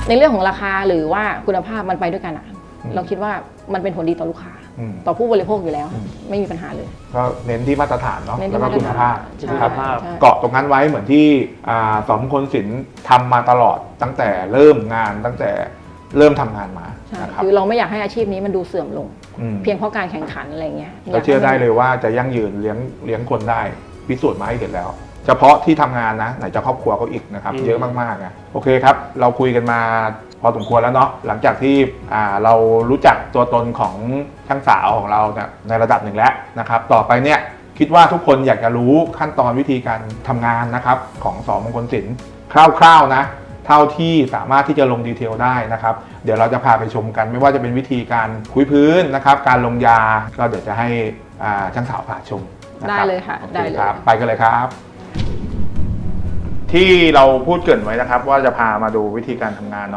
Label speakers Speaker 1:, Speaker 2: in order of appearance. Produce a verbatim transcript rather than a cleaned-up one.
Speaker 1: ในเรื่องของราคาหรือว่าคุณภาพมันไปด้วยกันอะเราคิดว่ามันเป็นผลดีต่อลูกค้าต่อผู้บริโภคอยู่แล้วไม่มีปัญหาเลย
Speaker 2: ก็เน้นที่มาตรฐานเนาะแล้วก็คุณภาพ
Speaker 1: ครับ
Speaker 2: เกาะตรงนั้นไว้เหมือนที่สมคนศิลป์ทำมาตลอดตั้งแต่เริ่มงานตั้งแต่เริ่มทำงานมานะครับ
Speaker 1: คือเราไม่อยากให้อาชีพนี้มันดูเสื่อมลงเพียงเพราะการแข่งขันอะไรเงี้ย
Speaker 2: เราเชื่อได้เลยว่าจะยั่งยืนเลี้ยงเลี้ยงคนได้พิสูจน์มาให้เห็นแล้วเฉพาะที่ทำงานนะไหนจะครอบครัวเขาอีกนะครับเยอะมากๆนะโอเคครับเราคุยกันมาพอสมควรแล้วเนาะหลังจากที่เรารู้จักตัวตนของช่างสาวของเราในระดับหนึ่งแล้วนะครับต่อไปเนี่ยคิดว่าทุกคนอยากจะรู้ขั้นตอนวิธีการทำงานนะครับของสมงคลศิลป์คร่าวๆนะเท่าที่สามารถที่จะลงดีเทลได้นะครับเดี๋ยวเราจะพาไปชมกันไม่ว่าจะเป็นวิธีการคุยพื้นนะครับการลงยาก็เดี๋ยวจะให้ช่างสาวพาชม
Speaker 1: ได้เลยค่ะได้เลยครับ
Speaker 2: ไปกันเลยครับที่เราพูดเกริ่นไว้นะครับว่าจะพามาดูวิธีการทำงานเนาะ